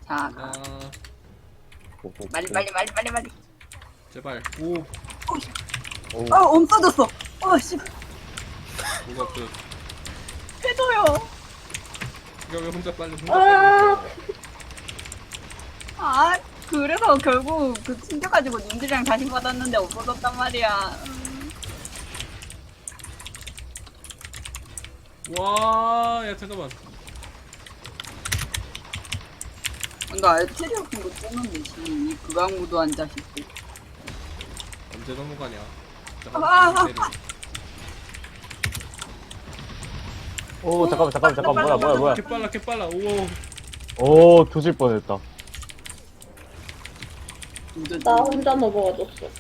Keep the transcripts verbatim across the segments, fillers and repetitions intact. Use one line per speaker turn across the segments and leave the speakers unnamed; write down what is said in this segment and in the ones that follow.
자,
아,
빨리 빨리 빨리 빨리 빨리.
제발. 오,
오.
어, 없어졌어. 어, 씨,
뭐가 그,
해줘요.
이거 왜 혼자 빨리 혼자
아.
빨리
아, 그래서 결국 그 챙겨가지고 님들이랑 다시 받았는데 없어졌단 말이야. 음.
와, 야, 잠깐만.
나 에테리 같은 거 쏘는데 이 극악무도한 자식들.
언제 넘어가냐?
아,
잠깐만, 때려.
오 잠깐만 잠깐만 잠깐만 뭐야 뭐야 뭐야.
개 빨라, 개 빨라. 오,
오 조질 뻔했다.
나 혼자 넘어가졌어.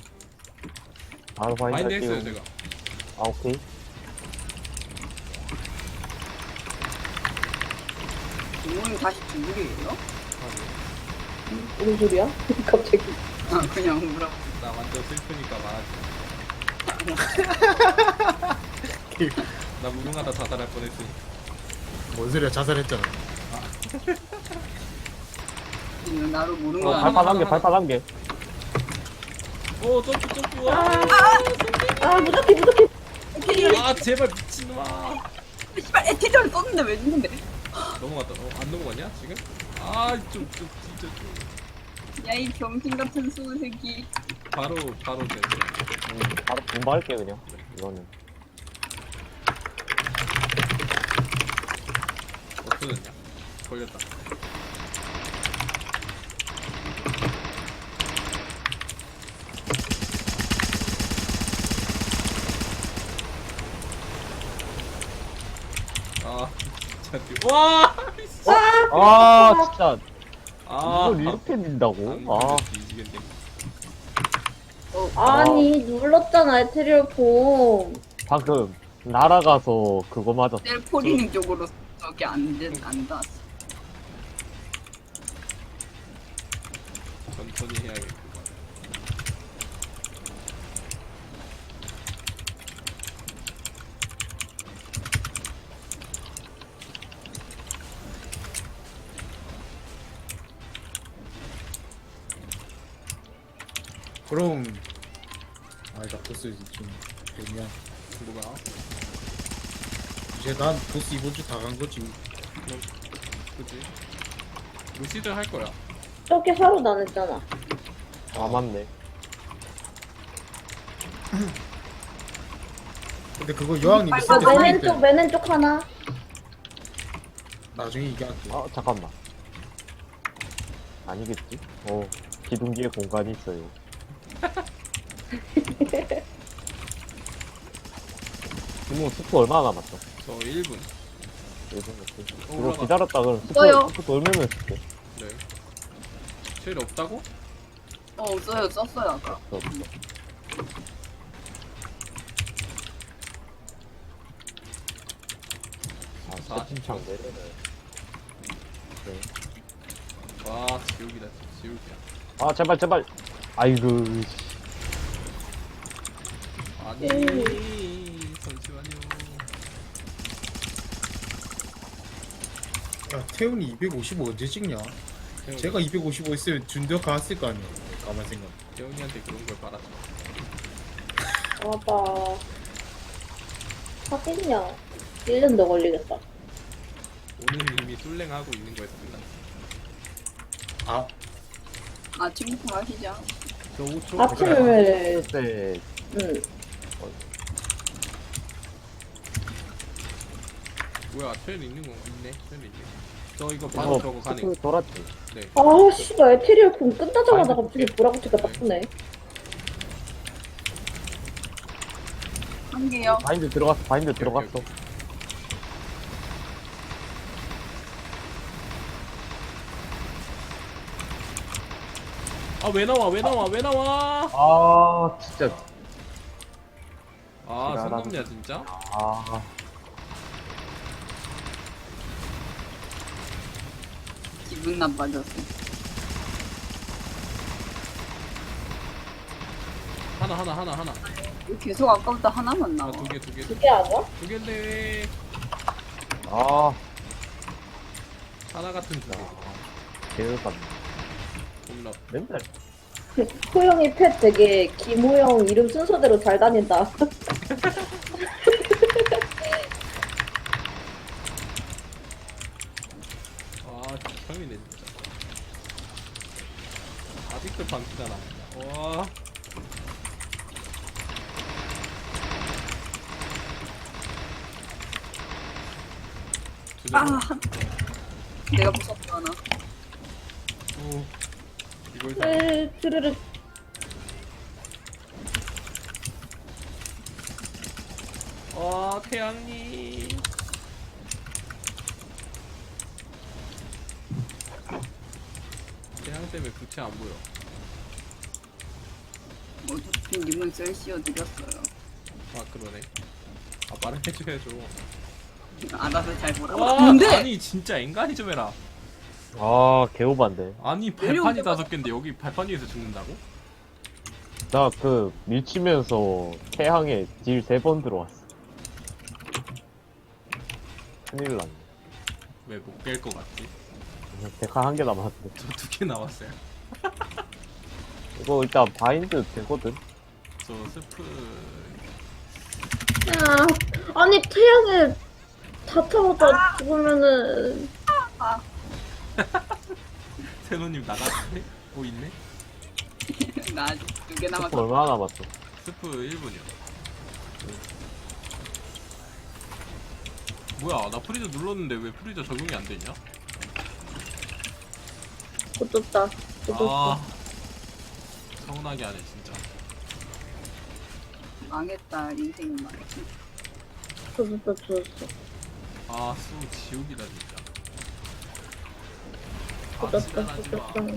바로
마인드
바인드
했어요,
할게요.
제가.
아 오케이.
부모님 다시 중국이에요?
아니,
무슨 소리야? 갑자기.
아, 그냥 물어.
나 완전 슬프니까 말하지. 나 무능하다 자살할 뻔했으니.
뭔 소리야, 자살했잖아.
지금 나를 모르는
어,
거
발판
아니야?
한 개, 발판 한 개.
오, 점프, 점프. 와,
아, 무적해, 무적해.
에테리,
아, 제발 미친놈아.
씨발 에테리를 썼는데 왜 죽는데?
넘어갔다. 어, 안 넘어갔냐 지금? 아, 좀, 좀 진짜 좀.
야, 이 병신 같은 수새끼.
바로, 바로 돼.
음, 바로 분발할게 그냥. 이거는.
없어졌냐? 걸렸다. 아, 진짜 뒤. 와!
아 진짜
아,
이걸 이렇게 민다고?
아,
아
뒤지겠네.
아니, 눌렀잖아, 에테리얼폼.
방금 날아가서 그거 맞았어.
셀포리닝 쪽으로 저기 안, 된- 안 닿았어.
천천히 해야겠구만.
그럼 아니다, 보스 좀 되면
뭐가?
이제 난 보스 이번 주 다 간 거지.
뭐, 그치? 루시드 할 거야.
저렇게 하루 안 했잖아.
아 맞네.
근데 그거 여왕님 있을
아,
때
맨
상황
왼쪽,
때
맨 왼쪽 하나.
나중에 얘기할게.
아 잠깐만. 아니겠지? 어 기둥 뒤에 공간이 있어요. 이모 스프 얼마나 남았어?
저 일 분.
일본 오케이.
어,
이거
올라가.
기다렸다 그럼 스프
써요.
스프 돌면은 쓸게.
네. 쉘 없다고?
어, 없어요. 썼어요, 아까.
없어 없어. 아
사,
세팅창 내려네. 네.
와, 지옥이다, 지옥이야.
아 제발 제발. 아이고 씨.
아니, 잠시만요.
야, 태훈이 이백오십오 언제 찍냐?
태훈이,
제가 이백오십오 있으면 준대 갔을 거 아니야. 가만 생각.
태훈이한테 그런 걸 바라지 마.
아빠. 하겠냐? 일 년 더 걸리겠다.
오늘 이미 술랭하고 있는 거에서 끝났어.
아,
아, 친구품 하시죠.
저 오 초?
아침을,
네.
응.
뭐야, 쉘 있는 건가? 있네, 쉘 있네. 저 이거 바로
어,
저거 가네.
스프 돌았지.
네.
아, 씨발, 에테리얼폼 끝나자마자
아이고,
갑자기 보라고치가 나쁘네.
한 개요.
바인드 들어갔어. 바인드
오케이,
들어갔어.
오케이. 아, 왜 나와, 왜 나와, 왜 나와?
아 진짜.
아,
지랄하네.
선 넘냐, 진짜?
아
기분 나빠졌어.
하나, 하나, 하나, 하나.
계속 아까부터 하나만
아,
나와.
두 개, 두 개.
두 개 아니야?
두 개인데 왜
아.
하나 같은 두 개.
개울감.
겁나.
맨날.
호영이 펫 되게 김호영 이름 순서대로 잘 다닌다.
아, 처음이네 진짜. 아직도 방치잖아. 와.
아, 내가 무섭다 나.
오. 이걸 다.
으, 드르륵.
와, 태양님. 태양 때문에 부채 안 보여.
어차피 님은 셀 씌워드렸어요.
아, 그러네. 아, 말을 해줘야죠.
알아서 잘 보라고.
와,
근데
아니 진짜 인간이 좀 해라.
아, 개오반데.
아니
내려올
발판이
때마다-
다섯 개인데 여기 발판 위에서 죽는다고?
나 그 밀치면서 태양에 딜 세 번 들어왔어. 큰일 났네.
왜 못 깰 것 같지?
데카 한 개 남았는데.
저 두 개 나왔어요.
이거 일단 바인드 되거든?
저 스프
야, 아니 태양에 다 타고다 죽으면은
세노님 나갔네? 오 있네?
나 아직 두 개
스프
남았어.
얼마나 남았어?
스프 일 분이요. 뭐야 나 프리저 눌렀는데 왜 프리저 적용이 안 되냐?
고쳤다. 고쳤어.
아 서운하게 하네 진짜.
망했다 인생은 망했어.
고쳤어, 고쳤어.
아 수 지옥이다 진짜. 아
고쳤어,
지랄하지 마.
고쳤어.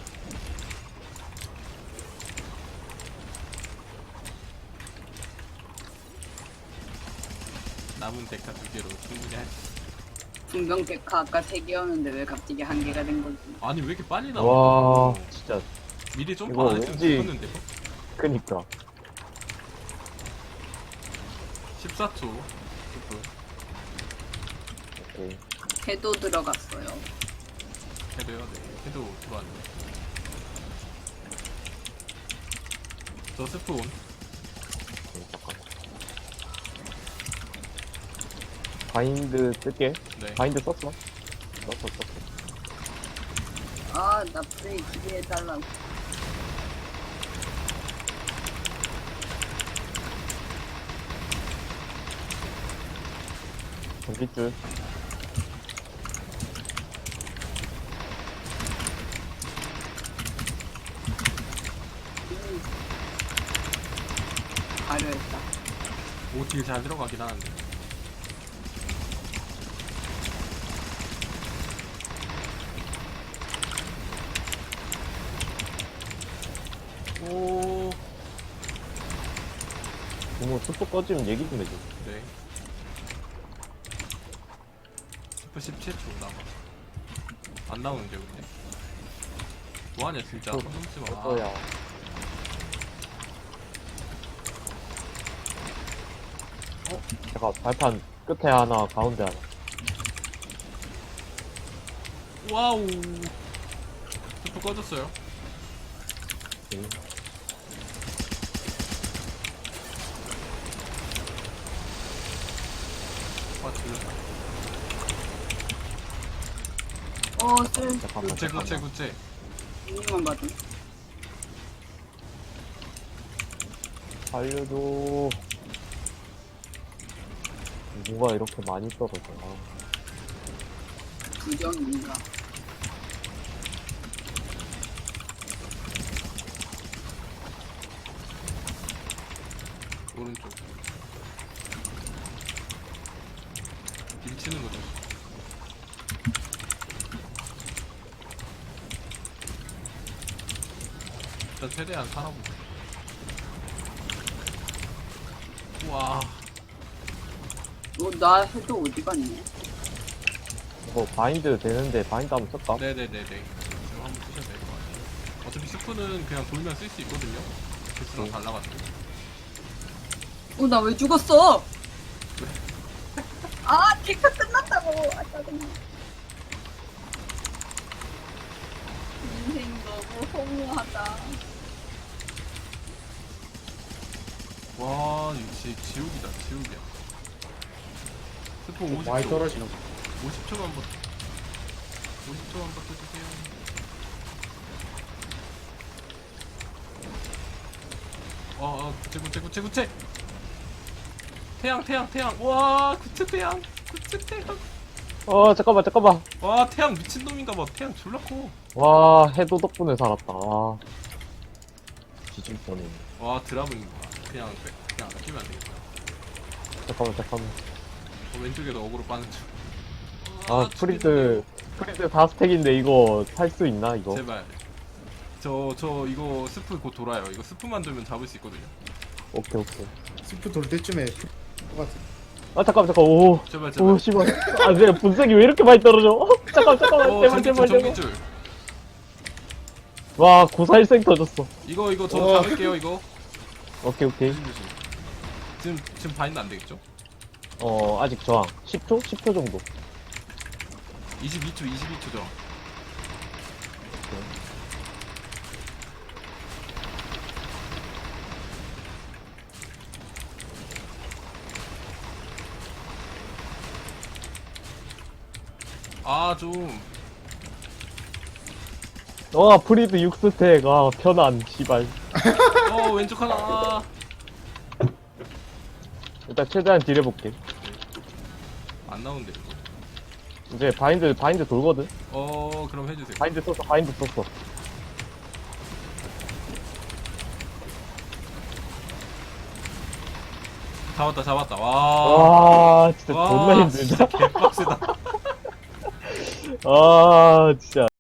남은 데카 두 개로 충분히 할 수 있어.
분명 데카 아까 세 개였는데 왜 갑자기 한 개가 된 거지?
아니 왜 이렇게 빨리
와,
나와?
진짜.
미리 점프
이거
안 했으면
왠지-
죽었는데
그니까.
십사 초 스프
오케이.
해도 들어갔어요.
해도요? 네 해도 들어왔네. 저 스프 온.
오케이, 잠깐만. 바인드 쓸게.
네.
바인드 썼어? 썼어, 썼어.
아, 나 프레이 기대해달라고.
전기줄.
가려했다.
오딜 잘 들어가긴 하는데. 오.
부모 스포 꺼지면 얘기 좀 해줘.
네. 스프 십칠 초 남아. 안 나오는데 근데. 뭐하냐 진짜.
저-
손 넘지 마.
어야. 어? 제가 발판 끝에 하나, 가운데 하나.
와우. 스프 꺼졌어요.
오케이.
아 들렸다.
어, 쓸.
잠깐만,
구체 구체
잠깐만.
구체.
이만 받은.
살려줘. 뭐가 이렇게 많이 떨어져. 아,
부정인가.
오른쪽. 밀치는 거죠. 일단 최대한 살아보자. 우와.
너, 나 해도 어디 갔니?
이거 바인드 되는데 바인드 한번 쓸까?
네네네네. 지금 한번 쓰셔도 될 것 같아요. 어차피 스프는 그냥 돌면 쓸 수 있거든요. 개수랑
응.
달라가지고.
어, 나 왜 죽었어? 아, 데카 끝났다고. 아, 짜증나. 너무 허무하다.
와 역시 지옥이다 지옥이야. 스포 오십 초.
많이 떨어지나 봐.
오십 초만 버텨. 오십 초만 버텨주세요. 어, 어, 구체, 구체, 구체, 구체! 태양, 태양, 태양! 와, 구체 태양! 구체 태양!
어 잠깐만 잠깐만.
와, 태양 미친놈인가봐. 태양 졸라 커.
와 해도 덕분에 살았다. 와. 뒤질 뻔했네.
와, 드라군인가. 그냥, 빼- 그냥 아끼면 안 되겠다.
잠깐만 잠깐만.
어, 왼쪽에도 어그로 빠는 중.
아 프리드 프리드 사 스택인데 이거 살 수 있나 이거?
제발. 저, 저, 이거 스프 곧 돌아요. 이거 스프만 돌면 잡을 수 있거든요.
오케이 오케이.
스프 돌 때쯤에 똑같아.
아 잠깐만 잠깐 오.
제발, 제발.
오 씨발. 아 내 분석이 왜 이렇게 많이 떨어져? 어, 잠깐 잠깐만
어,
제발
전기줄,
제발 제발.
전기줄.
와 고사일생 터졌어.
이거, 이거 저
어.
잡을게요, 이거.
오케이 오케이.
조심, 조심. 지금, 지금 바인드 안 되겠죠?
어 아직 저항 십 초? 십 초 정도.
이십이 초, 이십이 초 죠. 아, 좀.
와 프리드 육 스택. 아 편안 씨발.
어, 왼쪽 하나. 아.
일단 최대한 딜 해볼게.
안 나오는데, 이거.
이제 바인드 바인드 돌거든.
어, 그럼 해주세요.
바인드 썼어 바인드 썼어.
잡았다, 잡았다. 와.
와 진짜
와,
존나 힘들다.
진짜 개빡세다.
아 진짜.